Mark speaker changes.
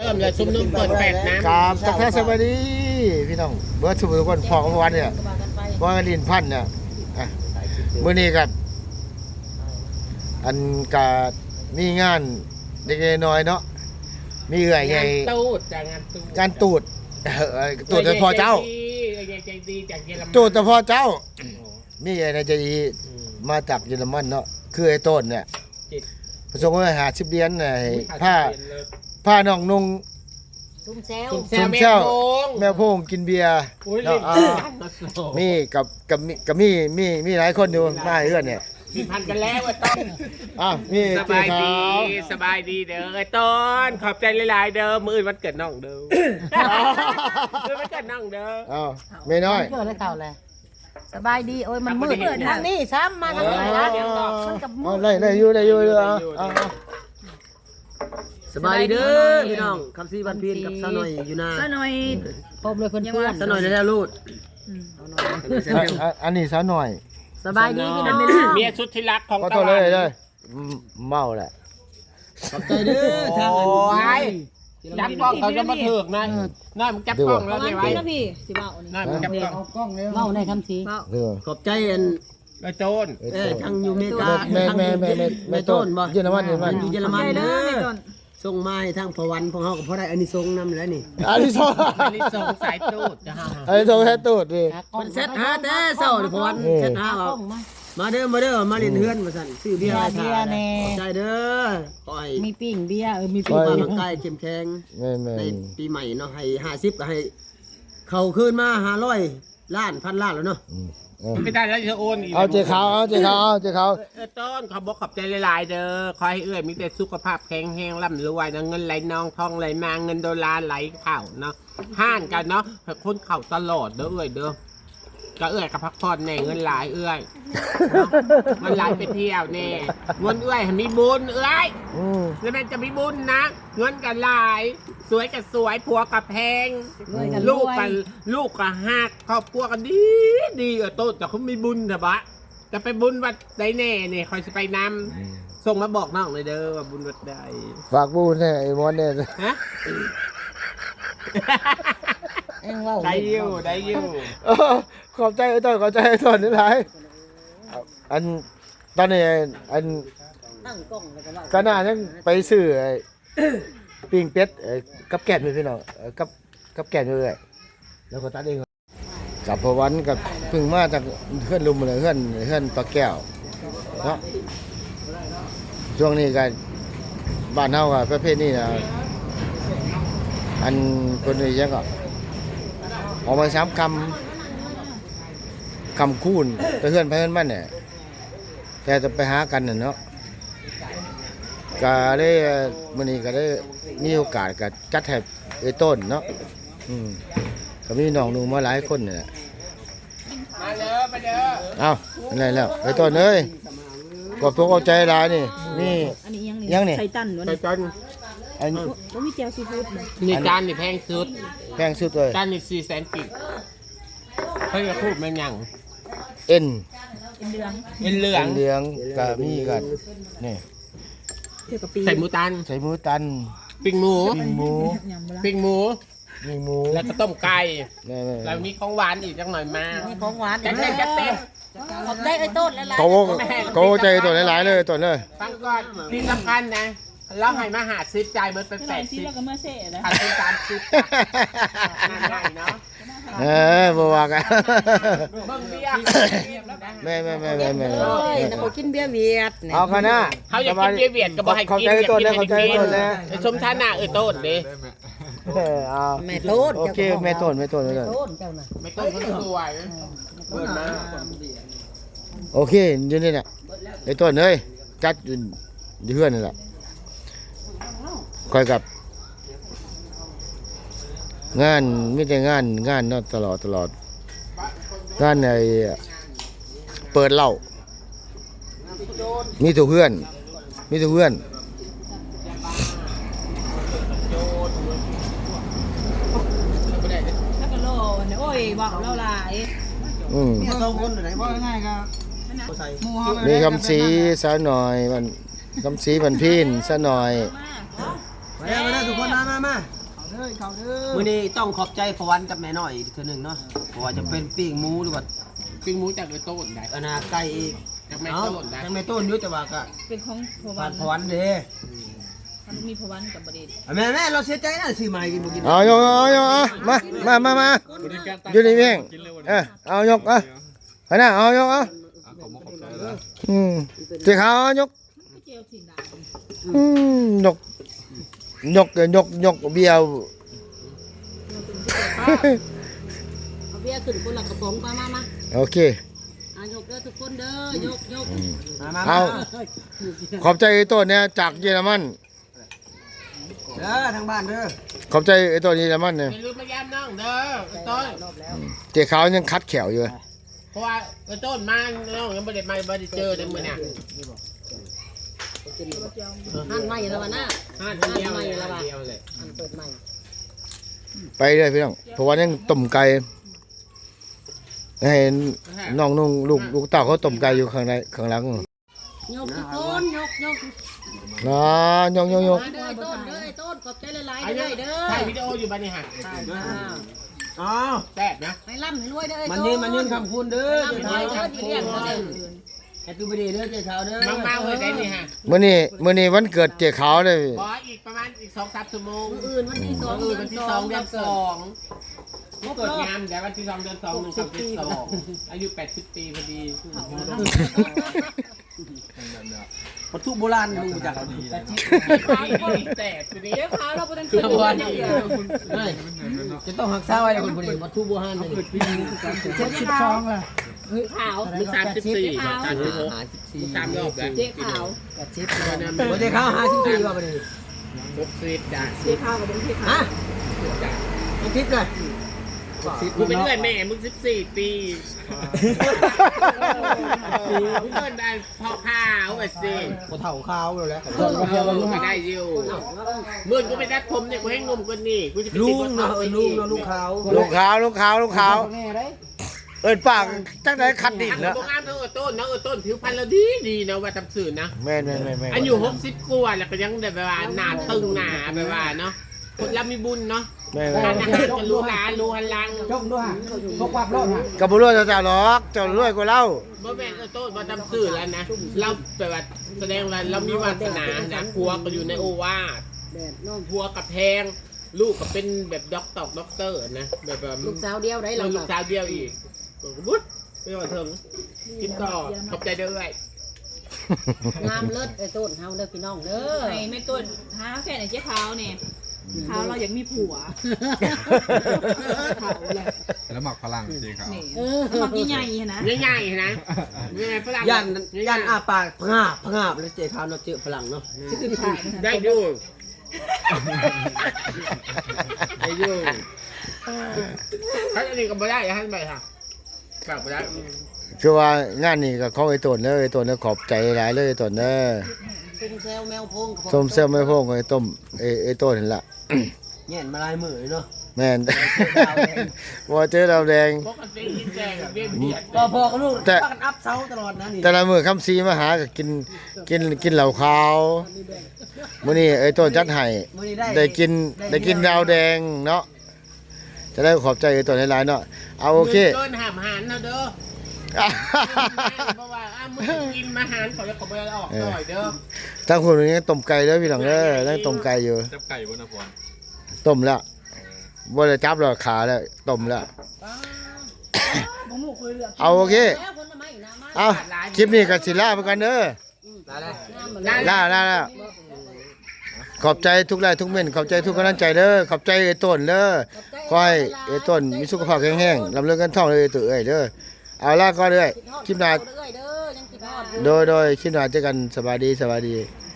Speaker 1: ริ่มเลยซุ่มนุ่มเปิดแปดน้ำ
Speaker 2: กราบทักทายสวัสดีพี่น้องเบิร์ดสุขทุกคนพอกับวันเนี่ยว่าลินพันธุ์เนี่ยมื้อนี้กับอันกามีงานเด็กน้อยเนาะมีเอื่อยใหญ่
Speaker 1: ตูดจากงานตูด
Speaker 2: การตูดตูดแต่พอเจ้า
Speaker 1: ใจดีจากเยอรมัน
Speaker 2: ตูดแต่พอเจ้ามีไอ้นายใจดีมาจากเยอรมันเนาะคือไอ้ต้นเนี่ยประสงค์ว่า50 เหรียญน่ะผ้าน้องนุ่ง
Speaker 3: ซุ่มแซว
Speaker 2: ซุ่มเช่าแม่พงกินเบียร์เนาะมีกับมีหลายคนอยู่มาเอื้อนเนี่ย
Speaker 1: มีพันกันแล้วไอ้ต้น
Speaker 2: มี
Speaker 1: สบายดีสบายดีเด้อไอ้ต้นขอบใจหลายๆเด้อมื้ออื่นวันเกิดน้องเด้อมื้อวันเกิดน้องเด้อ
Speaker 2: ไม่น้อย
Speaker 3: เกิดอะไรเก่าเลยสบายดีโอ้ยมันมืดทางนี้ซ้ำมาทางนี้นะมันกับมืด
Speaker 2: ได้อยู่
Speaker 4: สบายดีเด้อพี่น้องคำซีบันพีนกับสาวหน่อยอยู่นา
Speaker 3: ซะหน่อยพบเลยเพื่อน
Speaker 4: สาวหน่อยได้แล้วลูด
Speaker 2: อันนี้ซะหน่อย
Speaker 3: สบายดีพี่น้อง
Speaker 1: เมียสุดที่รักของ
Speaker 2: ก็
Speaker 1: ตะ
Speaker 2: ตัว
Speaker 1: วั
Speaker 2: เลย
Speaker 1: น
Speaker 2: เลยเมาแหละ
Speaker 4: ขอบใจเด้อทาง
Speaker 1: โอ้ยจับกล้องเขาจะมาถึกนะน้อยมึงจับกล้องแล้วได้ไว้
Speaker 3: นะพี่สิเบา
Speaker 1: น้อยมึงจับกล้อง
Speaker 3: เมาในคำสี
Speaker 4: ขอบใจอัน
Speaker 1: ไอ้โจน
Speaker 4: ทางอยู่อเมริกา
Speaker 2: แม่ต้น
Speaker 4: บ่
Speaker 2: เยอรมัน
Speaker 4: อยู่เยอรมันเด้อส่งมาให้ทางพวันของเฮาก็พอได้อันนี้ส่งนำแล้วนี่
Speaker 2: อันนี้สอง
Speaker 1: อันนี้ส่งสายตูดจะหา
Speaker 2: อันนี้สองแค่ตูดดิ
Speaker 4: มันเซ็ตหาแต่เช้านี่พวันเซ็ตหาเอามาเด้อมาเล่นเฮือนว่าซั่นซื้อเบียร์มาขายขอบใจเด้อขอให้
Speaker 3: มีปิ้งเบียร์มี
Speaker 4: สุ
Speaker 3: ปิ้
Speaker 4: ข
Speaker 3: ง
Speaker 4: ภาพร่างกายเข้มแข็ง
Speaker 2: แม่
Speaker 4: ในปีใหม่เนาะให้50ก็ให้เข้าคืนมา500ล้านพันล้านแล้วเนาะ
Speaker 1: ไม่ได้แล้วจะโอนอีก
Speaker 2: เอาเจ้าเขา
Speaker 1: ต้นขอบอกขอบใจหลายๆเด้อขอให้เอื้อยมีแต่สุขภาพแข็งแรงร่ำรวยนะเงินไหลนองทองไหลมาเงินดอลลาร์ไหลเข่าเนาะห้านกันเนาะคนเข่าตลอดเด้อเอื้อยเด้อก็เอื้อยกับพักผ่อนแน่เงินหลายเอื้อยเงินหลายไปเที่ยวแน่เงินเอื้อยมีบุญเอื้อยแล้วมันจะมีบุญนะเงินกันหลายสวยกับสวยผัวกับแพงลูกกับหักครอบครัวกันดีต้นแต่เขามีบุญนะบะจะไปบุญวัดใดแน่เนี่ยคอยจะไปนำส่งมาบอกน้องเลยเด้อว่าบุญวัดใด
Speaker 2: ฝากบูนเนี่ยไอ้มอนเนี่ย
Speaker 1: ฮะได้อยู่
Speaker 2: ขอบใจไอ้ต้นขอบใจไอ้ต้นนี่หลายอันตอนนี้อัน
Speaker 3: ตั้งกล้องแล้วก็ว่า
Speaker 2: ก็น่าจะไปซื้อปิ้งเป็ดกับแกล้มพี่น้องกับแกล้มเลยแล้วก็ตัดเองกับพวันกับพึ่งมาจากเพื่อนลุมเลยเพื่อนปลาแก้วเนาะช่วงนี้ก็บ้านเฮากับประเภทนี้นะอันคนนี้ยังก็ออกมา3 คำคูณแต่เพื่อนไปเพื่อนมันเนี่ยแต่จะไปหากันเนาะก็ได้มื้อนี้ก็ได้มีโอกาสก็จัดให้ไอ้ต้นเนาะก็มีน้องนุ่งมาหลายคนเนี่ย
Speaker 1: มาเด้อมาเด้อ
Speaker 2: เอาอะไรแล้วไอ้ต้นเอ้ยขอบตัวเอาใจหลายนี่นี่
Speaker 3: อันนี้
Speaker 2: ยังนี่
Speaker 3: ไข่ตันวะ
Speaker 1: ไป
Speaker 3: นี่
Speaker 1: จน
Speaker 2: อัน
Speaker 3: ก็มีแจ่วซีฟู้ดนะ
Speaker 1: นี่จานนี่แพงสุด
Speaker 2: แพงสุดเลย
Speaker 1: จานนี่400,000 กิกเขาจะพูดมันยัง
Speaker 2: เอ็น
Speaker 3: เป็นเดือง
Speaker 1: เป็นเหลือง
Speaker 2: เหลืองก็มีกันนี่
Speaker 3: เที่ยวกับปี
Speaker 1: ใส่หมูตัน
Speaker 2: ใส่หมูตัน
Speaker 1: ปิ้งหมู
Speaker 2: ปิ้งหมู
Speaker 1: ปิ้งหมู
Speaker 2: มีหมู
Speaker 1: แล้วก็ต้มไก่
Speaker 2: แม่
Speaker 1: แล้วมีของหวานอีกจังหน่อยมา
Speaker 3: มีของหวาน
Speaker 1: จัดเต็มจัดเต็ม
Speaker 3: ขอบใจไอ้ต้นแล้วล่ะ
Speaker 2: โกใจตัวหลายๆเลยตัวเลย
Speaker 1: ฟังก่อนที่สำคัญนะแล้วให้มาหาซิปจ่ายมันเป็น80แล้วก็มาเซ่นะขาดเป็น30ง่ายๆเนาะ
Speaker 2: บ่ว่ากัน
Speaker 1: เบิ่งเบียร์
Speaker 2: แม่
Speaker 3: เอ้ยนะกินเบียร์เวียด
Speaker 2: เอาคณะ
Speaker 1: เขาอยากกินเบียร์เวียดก็บอกให้
Speaker 2: เข้า
Speaker 1: กิน
Speaker 2: ใจ
Speaker 1: อยาก
Speaker 2: ตัว
Speaker 1: กิน
Speaker 2: แล้ว
Speaker 1: ให้
Speaker 2: เข้าใจ
Speaker 1: กิน
Speaker 2: ตัวแล้ว
Speaker 1: ชมท่าหน้าโต้นดิ
Speaker 2: เอา
Speaker 3: แม่โต้น
Speaker 2: โอเคแม่ต้น
Speaker 3: โต้นเจ้าน่ะ
Speaker 1: ไม่ต้นเขาสวยเปิดมา
Speaker 2: โอเคอยู่นี่น่ะไอ้ต้นเอ้ยจัดอยู่เฮือนนี่แหละคอยกับงานไม่ใช่งานเนาะตลอดงานในเปิดเหล้ามีทุกเพื่อน
Speaker 3: แล้วก็โลเนี่ยโอ้ยบอกเราหลาย
Speaker 4: เนี่ย2 คนไหนบ่ง่ายๆครับใส่หมู่เฮา
Speaker 2: มีคำสีสาวหน่อยมันคำสีมันพินสาวหน่อย
Speaker 4: มาทุกคนมา
Speaker 2: ด้อเขาเด้อ
Speaker 4: มื้อนี้ต้องขอบใจพวันกับแม่น้อยอีกเทื่อหนึงเนาะเพราะว่าจะเป็นปิ้งหมูหรือว่า
Speaker 1: ปิ้งหมูจากไอ้ต้นได้
Speaker 4: อันน่ะไก่อีก
Speaker 1: จากแม่ต้นได้
Speaker 4: จังแม่ต้นอยู่แต่ว่าก็
Speaker 5: เป็นของพ
Speaker 4: ผ่า
Speaker 5: วัน น
Speaker 4: พวันเด้
Speaker 5: มันมีพวันกับบดี
Speaker 4: แม่เราเสียใจนะซื้อมากินบ่กิน
Speaker 2: เอายกมาอยู่นี่เองเอายกเอาน่ะเอายกเอาเจ๊ขาวเอายก
Speaker 5: เจียวถิ่นดา
Speaker 2: ยกเบียว
Speaker 3: เอาเบียร์ขึ้นคนละกระป๋องมา
Speaker 2: โอเค
Speaker 3: ยกเด้อทุกคนเด้อยก
Speaker 4: มา
Speaker 2: เอาขอบใจไอ้ต้นเนี่ยจากเยอรมัน
Speaker 4: เด้อทางบ้านเด้อ
Speaker 2: ขอบใจไอ้ต้นเยอรมันเนี่ย
Speaker 1: อย่าลืมมายามน้องเด้อไอ้ต้น
Speaker 2: เจ๊ขาวยังคัดแขวอยู่
Speaker 1: เพราะว่าไอ้ต้นมาน้องยังไม่ได้เจอในมือเนี่ย
Speaker 3: หั่นใหม่แล้ววะน่ะ
Speaker 1: ห้าเดียวเลย
Speaker 3: หั่นเปิดใหม่
Speaker 2: ไปเลยพี่น้องเพราะว่ายังต้มไก่ให้น้องนุ่งลูกเต่าเขาต้มไก่อยู่ข้างในข้างหลัง
Speaker 3: ยกทุกคนยก
Speaker 2: ยก
Speaker 3: มาเด้อต้นขอบใจหลายๆเด้อเด้อ
Speaker 1: ถ่ายวิดีโออยู่บ้านนี่ฮะ
Speaker 4: อ๋อ
Speaker 1: แซ่บนะ
Speaker 3: ให้ร่ำให้รวยเด้อ
Speaker 4: มันยืนคำคุณเด้อ
Speaker 3: ร่ำให้รวยเด้อที่เรียกเด้อ
Speaker 4: แฮปปี้เบิร์ดเดย์เด้อเจ๊ขาวเด้อ
Speaker 1: มากๆเลยได้นี่ฮะ
Speaker 2: มื้อนี้วันเกิดเจ๊ขาวเลย
Speaker 1: ขออีกประมาณอีก2-3 ชั่วโมง
Speaker 3: อื่นวันที่2
Speaker 1: วันที่2เดือน2เกิดงานแต่วันที่2เดือน2 1 2 2อายุ80 ปีพอดี
Speaker 4: วัตถุโบราณลุงจัก
Speaker 1: แตกทีนี้
Speaker 5: เดี๋ยวขาวเราไปตั้ง
Speaker 4: คือโบราณ
Speaker 5: อย่างเดียว
Speaker 4: จะต้องหักษาไว้คนคนนี้วัตถุโบราณเลย
Speaker 2: 72ล่ะ
Speaker 5: ขาว
Speaker 1: มึง34มา3 รอบแล้ว
Speaker 5: เจ๊ขาว
Speaker 4: วันเจ๊ขาว54ว่าประเดี๋ยว
Speaker 1: 60จ้ะ
Speaker 5: เจ๊ขาวกับเป็นเจ๊ขาว
Speaker 4: ฮะอาทิตย์เลย
Speaker 1: กูเป็นเพื่อนแม่มึง14 ปีมึงเกินได้พอข้าวไอ้สิ
Speaker 4: กูเถ่าขาวเลยแล้ว
Speaker 1: ก็ได้อยู่เมื่อกูไปตัดผมเนี่ยกูให้งมกว่านี่กูจะไป
Speaker 4: ลุ
Speaker 1: ติด
Speaker 4: ง
Speaker 1: บน
Speaker 4: เนาะ
Speaker 1: เขา
Speaker 4: ลุงเนาะลุงขาว
Speaker 2: ลูกขาวเอิ้นปากจังได๋คัดดิน
Speaker 1: อัน
Speaker 2: แล้ว
Speaker 1: นี้งานเธอต้นนะต้นผิวพรรณเราดีนะว่าทำสื่อนะ
Speaker 2: แม่น
Speaker 1: อายุ60 กว่าแล้วก็ยังแบบว่าหน้าตึงหน้าแบบว่าเนาะคนเรามีบุญเนาะ
Speaker 2: แม่
Speaker 1: การอาหารกับลูกหลานลูกหันหลัง
Speaker 4: จงด้วยพกความรอดฮะ
Speaker 2: ก็บ่รวยเจ้าหรอกเจ้ารวยกว่าเรา
Speaker 1: บ่แม่นต้นมาทำสื่อแล้วนะเราแบบว่าแสดงว่าเรามีวาสนานะผัวก็อยู่ในโอวาทผัวกับแพงลูกก็เป็นแบบด็อกเตอร์นะแบบว่า
Speaker 3: ลูกสาวเดียวได้
Speaker 1: เรา
Speaker 3: เรา
Speaker 1: ลูกสาวเดียวอีกบุ๊ดไม่ว่าเถิงกินต่อขอบใจด้วย
Speaker 3: งามเลิศไอ้ต้นเฮาเด้อพี่น้องเด้อ
Speaker 5: ไอ้แม่ต้นหาแฟนไอ้เจ๊ขาวเนี่ยขาวเราอยากมีผัวขาวเลย
Speaker 6: แล้วหมักพลังจริงครับ
Speaker 5: นี่ทำใหญ่ๆนะ
Speaker 1: ง่ายๆนะง่ายๆฝรั่ง
Speaker 4: ยันอาปากพงาบแล้วเจ๊ขาวเนาะเจอฝรั่งเนาะ
Speaker 1: ได้ดูได้ดูถ้าอันนี้ก็ไม่ได้อย่าให้ไปค่ะฝากไปได้
Speaker 2: คือว่างานนี้ก็ของไอ้ต้นเด้อไอ้ต้นเด้อขอบใจหลายเลยไอ้ต้นเด้อ
Speaker 3: ซุ่มแซวแมวพง
Speaker 2: ส้มเซลไม่พงไอ้ต้มไอ้ต้นนั่นล่ะ
Speaker 4: แง่นมาลายมือเนาะ
Speaker 2: แม่นว่าเจอดาวแดง
Speaker 1: ปกติกินแดงเบี้ยเบียด
Speaker 4: พอกับลูกพากันอัพเซาตลอดนะนี่
Speaker 2: แต่ละมื้อคำซีมาหาก็กินเหล้าขาวมื้อนี้ไอ้ต้นจัดให้
Speaker 4: มื้อนี้
Speaker 2: ได้กินดาวแดงเนาะจะได้ขอบใจไอ้ต้นหลายๆเนาะเอาโอเค
Speaker 1: เกินหามหันนะเด้อเพราะว่ามึงกินมาหันเขาจะขอไปออกหน่อยเด้อ
Speaker 2: ทั้งคนนี้ต้มไก่เด้อพี่น้องเด้อยังต้มไก่อยู่
Speaker 6: จับไก่บนนพร
Speaker 2: ต้มแล้วบ่ได้จับแล้วขาแล้วต้มแล้วเอาโอเคเอาคลิปนี้ก็สิลาไปกันเด้อลาขอบใจทุกไลน์ทุกเม่นขอบใจทุกกำลังใจเด้อขอบใจไอ้ต้นเด้อขอให้ไอ้ต้นมีสุขภาพแข็งแรงลำเลิกกันท่องเลยตัวเอ้ยเด้อเอาล่ะก็เด้อคลิปหน้าโดยคลิปหน้าเจอกันสวัสดี